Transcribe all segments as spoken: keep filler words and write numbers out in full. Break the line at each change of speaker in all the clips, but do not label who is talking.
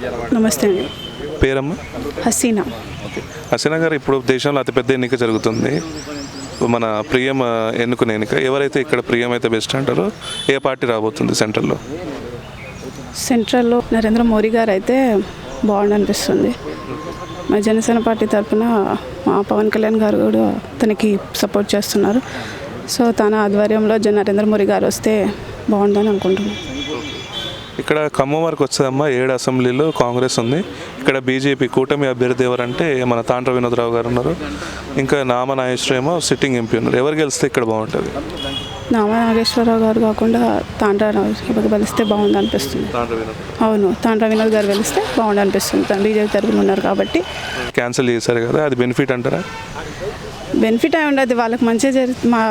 నమస్తే అండి.
పేరమ్మా?
హసీనా.
హసీనా గారు, ఇప్పుడు దేశంలో అతిపెద్ద ఎన్నిక జరుగుతుంది. మన ప్రియం ఎన్నుకునే ఎన్నిక. ఎవరైతే ఇక్కడ ప్రియం అయితే బెస్ట్ అంటారో, ఏ పార్టీ రాబోతుంది సెంట్రల్లో?
సెంట్రల్లో నరేంద్ర మోడీ గారు అయితే బాగుండు అనిపిస్తుంది. మా జనసేన పార్టీ తరఫున మా పవన్ కళ్యాణ్ గారు కూడా తనకి సపోర్ట్ చేస్తున్నారు. సో తన ఆధ్వర్యంలో జన నరేంద్ర మోడీ గారు వస్తే బాగుందని అనుకుంటున్నాను.
ఇక్కడ ఖమ్మం వరకు వచ్చేదమ్మా, ఏడు అసెంబ్లీలో కాంగ్రెస్ ఉంది. ఇక్కడ బీజేపీ కూటమి అభ్యర్థి ఎవరంటే మన తాండ్ర వినోద్రావు గారు ఉన్నారు. ఇంకా నామ నాగేశ్వరరావు ఏమో సిట్టింగ్ ఎంపీ ఉన్నారు. ఎవరు గెలిస్తే ఇక్కడ బాగుంటుంది?
నామ నాగేశ్వరరావు గారు కాకుండా తాండ్ర నాగేశ్వరరావు గెలిస్తే బాగుంది అనిపిస్తుంది. అవును, తాండ్ర వినోద్ గారు గెలిస్తే బాగుంది అనిపిస్తుంది. తను బీజేపీ తరఫున ఉన్నారు కాబట్టి.
క్యాన్సిల్ చేశారు కదా, అది బెనిఫిట్ అంటారా?
బెనిఫిట్ అయి ఉండదు. వాళ్ళకి మంచిగా జరుగు మా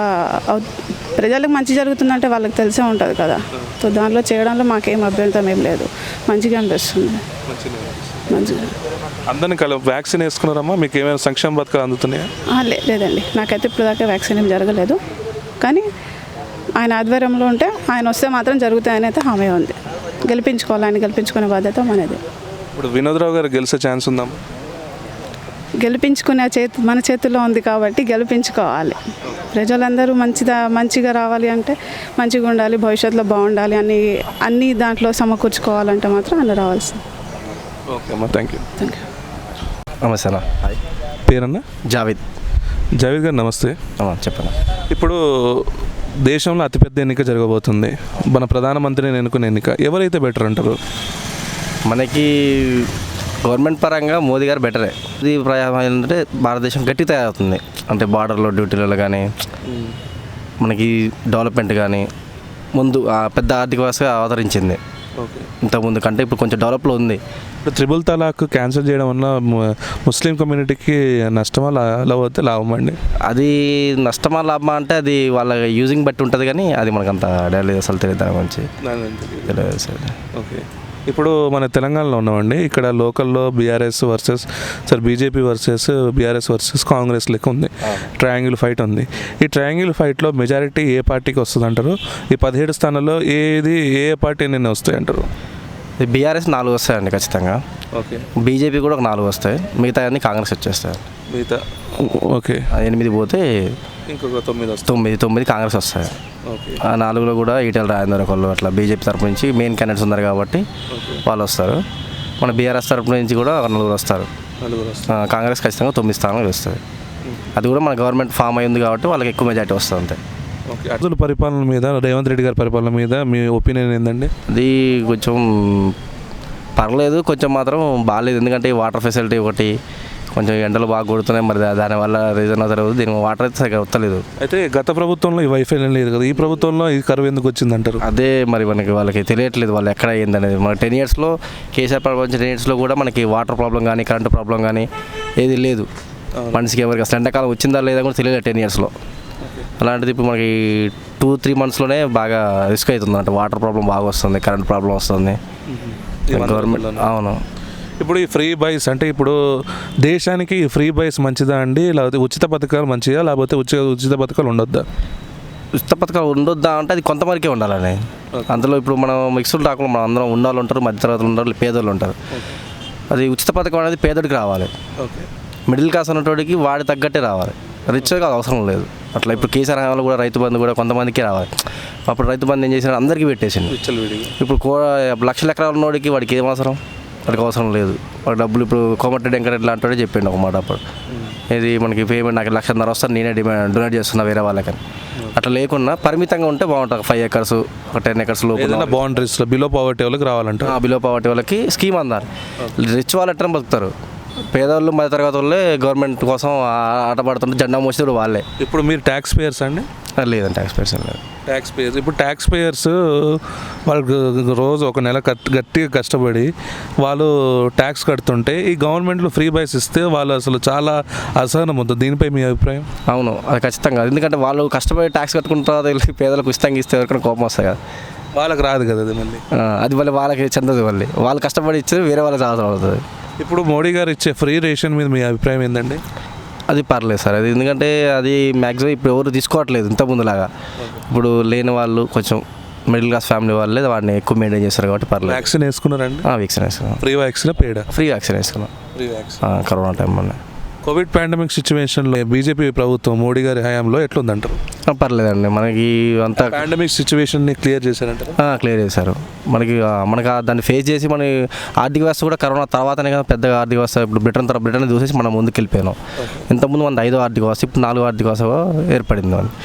ప్రజలకు మంచి జరుగుతుందంటే వాళ్ళకి తెలిసే ఉంటుంది కదా. సో దాంట్లో చేయడంలో మాకేం అభ్యంతరం ఏం లేదు. మంచిగా అనిపిస్తుంది. మంచిగా
అందరినీ కల వ్యాక్సిన్ వేసుకున్నారమ్మా? మీకు ఏమైనా సంక్షేమ పథకాలు అందుతున్నాయా?
లేదండి, నాకైతే ఇప్పుడు దాకా వ్యాక్సిన్ ఏం జరగలేదు. కానీ ఆయన ఆధ్వర్యంలో ఉంటే ఆయన వస్తే మాత్రం జరుగుతాయని అయితే హామీ ఉంది. గెలిపించుకోవాలి, ఆయన గెలిపించుకునే బాధ్యత మనది.
ఇప్పుడు వినోద్రావు గారు గెలిచే ఛాన్స్ ఉందమ్మా?
గెలిపించుకునే చేతి మన చేతుల్లో ఉంది కాబట్టి గెలిపించుకోవాలి. ప్రజలందరూ మంచిదా మంచిగా రావాలి అంటే మంచిగా ఉండాలి, భవిష్యత్తులో బాగుండాలి అని అన్ని దాంట్లో సమకూర్చుకోవాలంటే మాత్రం అన్న రావాల్సింది.
ఓకే అమ్మా, థ్యాంక్ యూ.
Thank you.
నమస్తే అన్న.
పేరన్నా?
జావేద్.
జావేద్ గారు నమస్తే.
చెప్పండి.
ఇప్పుడు దేశంలో అతిపెద్ద ఎన్నిక జరగబోతుంది. మన ప్రధానమంత్రిని ఎన్నుకునే ఎన్నిక. ఎవరైతే బెటర్ అంటారు?
మనకి గవర్నమెంట్ పరంగా మోదీ గారు బెటరే. ఇది ప్రయాణం ఏంటంటే భారతదేశం గట్టి తయారవుతుంది. అంటే బార్డర్లో డ్యూటీలలో కానీ మనకి డెవలప్మెంట్ కానీ ముందు పెద్ద ఆర్థిక వ్యవస్థగా అవతరించింది. ఇంతకుముందు కంటే ఇప్పుడు కొంచెం డెవలప్లో ఉంది.
ఇప్పుడు త్రిబుల్ తలాక్ క్యాన్సిల్ చేయడం వల్ల ముస్లిం కమ్యూనిటీకి నష్టమా లేకపోతే లాభం అండి?
అది నష్టమా లాభమా అంటే అది వాళ్ళ యూజింగ్ బట్టి ఉంటుంది, కానీ అది మనకు అంత డైలీ అసలు తెలియదు దాని గురించి. తెలియదు సార్.
ఓకే. ఇప్పుడు మన తెలంగాణలో ఉన్నామండి. ఇక్కడ లోకల్లో BRS versus sir BJP versus BRS versus Congress లెక్క ఉంది. ట్రయాంగిల్ ఫైట్ ఉంది. ఈ ట్రయాంగిల్ ఫైట్లో మెజారిటీ ఏ పార్టీకి వస్తుంది అంటారు? ఈ పదిహేడు స్థానాల్లో ఏది ఏ పార్టీ నిన్న వస్తాయి అంటారు?
బీఆర్ఎస్ నాలుగు వస్తాయండి ఖచ్చితంగా.
ఓకే.
బీజేపీ కూడా ఒక నాలుగు వస్తాయి. మిగతా అన్ని కాంగ్రెస్ వచ్చేస్తాయి.
మిగతా ఓకే
ఎనిమిది పోతే
ఇంకొక తొమ్మిది వస్తాయి.
తొమ్మిది తొమ్మిది కాంగ్రెస్ వస్తాయి.
ఓకే. ఆ
నాలుగులో కూడా ఈటెల రాజేందర్ ఒకళ్ళు అట్లా బీజేపీ తరపు నుంచి మెయిన్ క్యాండిడేట్స్ ఉన్నారు కాబట్టి వాళ్ళు వస్తారు. మన బీఆర్ఎస్ తరపు నుంచి కూడా నలుగురు వస్తారు. కాంగ్రెస్ ఖచ్చితంగా తొమ్మిది స్థానాలు వస్తుంది. అది కూడా మన గవర్నమెంట్ ఫామ్ అయింది కాబట్టి వాళ్ళకి ఎక్కువ మెజార్టీ వస్తుంది అంతే.
ఓకే. అర్జున్ పరిపాలన మీద, రేవంత్ రెడ్డి గారి పరిపాలన మీద మీ ఒపీనియన్ ఏంటండి?
అది కొంచెం పర్లేదు, కొంచెం మాత్రం బాగాలేదు. ఎందుకంటే వాటర్ ఫెసిలిటీ ఒకటి కొంచెం ఎండలు బాగా కొడుతున్నాయి. మరి దానివల్ల రీజన్ అవుతుంది. దీనికి వాటర్ అయితే సరిగ్గా వస్తలేదు.
అయితే గత ప్రభుత్వంలో ఈ వైఫల్యం లేదు కదా, ఈ ప్రభుత్వంలో ఈ కరువు ఎందుకు వచ్చింది అంటారు?
అదే మరి మనకి వాళ్ళకి తెలియట్లేదు వాళ్ళు ఎక్కడ అయ్యింది అనేది. మన టెన్ ఇయర్స్లో కేసీఆర్ ప్రపంచ టెన్ ఇయర్స్లో కూడా మనకి వాటర్ ప్రాబ్లం కానీ కరెంటు ప్రాబ్లం కానీ ఏది లేదు. మనిషికి ఎవరికి అసలు ఎండాకాలం వచ్చిందా లేదా కూడా తెలియలేదు టెన్ ఇయర్స్లో. అలాంటిది ఇప్పుడు మనకి టూ త్రీ మంత్స్లోనే బాగా రిస్క్ అవుతుంది. అంటే వాటర్ ప్రాబ్లం బాగా వస్తుంది, కరెంట్ ప్రాబ్లం వస్తుంది గవర్నమెంట్. అవును.
ఇప్పుడు ఈ ఫ్రీ బైస్ అంటే ఇప్పుడు దేశానికి ఫ్రీ బైస్ మంచిదా అండి, లేకపోతే ఉచిత పథకాలు మంచిదా, లేకపోతే ఉచిత ఉచిత పథకాలు ఉండొద్దా?
ఉచిత పథకాలు ఉండొద్దా అంటే అది కొంతవరకే ఉండాలని. అందులో ఇప్పుడు మనం మిక్స్డ్ రాకుండా మనం అందరం ఉన్నవాళ్ళు ఉంటారు, మధ్యతరగతులు ఉంటారు, పేదోళ్ళు ఉంటారు. అది ఉచిత పథకం అనేది పేదోడికి రావాలి. మిడిల్ క్లాస్ ఉన్నటోడికి వాడి తగ్గట్టే రావాలి. రిచ్గా కాదు అవసరం లేదు. అట్లా ఇప్పుడు కేసీఆర్ హయాంలో కూడా రైతు బంధు కూడా కొంతమందికి రావాలి. అప్పుడు రైతు బంధు ఏం చేసినా అందరికీ పెట్టేసింది. ఇప్పుడు కో లక్షల ఎకరాల ఉన్నోడికి వాడికి ఏం అవసరం? వాడికి అవసరం లేదు. వాడి డబ్బులు ఇప్పుడు కోమటిరెడ్డి వెంకటరెడ్డి లాంటి చెప్పిండు ఒక మాట అప్పుడు, ఇది మనకి పేమెంట్ నాకు లక్షన్నర వస్తాను నేనే డిమాండ్ డొనేట్ చేస్తున్నా వేరే వాళ్ళకని. అట్లా లేకుండా పరిమితంగా ఉంటే బాగుంటుంది. ఫైవ్ ఎకర్స్ ఒక టెన్ ఎకర్స్ లోపల
బౌండరీస్లో బిలో పావర్టీ వాళ్ళకి రావాలంటే
బిలో పావర్టీ వాళ్ళకి స్కీమ్ అందాలి. రిచ్ వాళ్ళు ఎట్లా బతుకుతారు? పేదవాళ్ళు మధ్య తరగతి వాళ్ళే గవర్నమెంట్ కోసం ఆటపడుతుంటే జెండా మోసేది వాళ్ళే.
ఇప్పుడు మీరు ట్యాక్స్ పేయర్స్ అండి?
లేదండి, ట్యాక్స్ పేయర్స్ లేదు.
ట్యాక్స్ పేయర్స్ ఇప్పుడు ట్యాక్స్ పేయర్స్ వాళ్ళకి రోజు ఒక నెల గట్టిగా కష్టపడి వాళ్ళు ట్యాక్స్ కడుతుంటే ఈ గవర్నమెంట్లో ఫ్రీ బైస్ ఇస్తే వాళ్ళు అసలు చాలా అసహనం ఉంటుంది. దీనిపై మీ అభిప్రాయం?
అవును, అది ఖచ్చితంగా. ఎందుకంటే వాళ్ళు కష్టపడి ట్యాక్స్ కట్టుకుంటారు, వెళ్ళి పేదలకు ఇష్టంగా ఇస్తే ఎవరికైనా కోపం వస్తాయి కదా.
వాళ్ళకి రాదు కదా అది. మళ్ళీ
అది మళ్ళీ వాళ్ళకి చెందదు. మళ్ళీ వాళ్ళు కష్టపడి ఇచ్చేది వేరే వాళ్ళకి అవసరం అవుతుంది.
ఇప్పుడు మోడీ గారు ఇచ్చే ఫ్రీ రేషన్ మీద మీ అభిప్రాయం ఏంటండి?
అది పర్లేదు సార్. అది ఎందుకంటే అది మ్యాక్సిమం ఇప్పుడు ఎవరు తీసుకోవట్లేదు ఇంత ముందులాగా. ఇప్పుడు లేని వాళ్ళు కొంచెం మిడిల్ క్లాస్ ఫ్యామిలీ వాళ్ళే వాడిని ఎక్కువ మెయింటైన్ చేస్తారు కాబట్టి పర్లేదు.
వ్యాక్సిన్ వేసుకున్నారండి?
వ్యాక్సిన్ వేసుకున్నాం.
ఫ్రీ వ్యాక్సిన్ పేడా?
ఫ్రీ వ్యాక్సిన్ వేసుకున్నాం
ఫ్రీ వ్యాక్సిన్
కరోనా టైంలోనే.
కోవిడ్ పాండమిక్ సిచ్యువేషన్లో బీజేపీ ప్రభుత్వం మోడీ గారి హయాంలో ఎట్లుందంటారు?
పర్లేదండి, మనకి అంతా
పాండమిక్ సిచ్యువేషన్ని క్లియర్ చేశారంటారు?
క్లియర్ చేశారు. మనకి ఆ, మనకి ఆ దాన్ని ఫేస్ చేసి మన ఆర్థిక వ్యవస్థ కూడా కరోనా తర్వాతనే కదా పెద్దగా ఆర్థిక వ్యవస్థ. ఇప్పుడు బ్రిటన్ తర్వాత బ్రిటన్ చూసేసి మనం ముందుకు వెళ్ళిపోయాం. ఇంతకుముందు మన ఐదో ఆర్థిక వ్యవస్థ, ఇప్పుడు నాలుగో ఆర్థిక వ్యవస్థ ఏర్పడింది.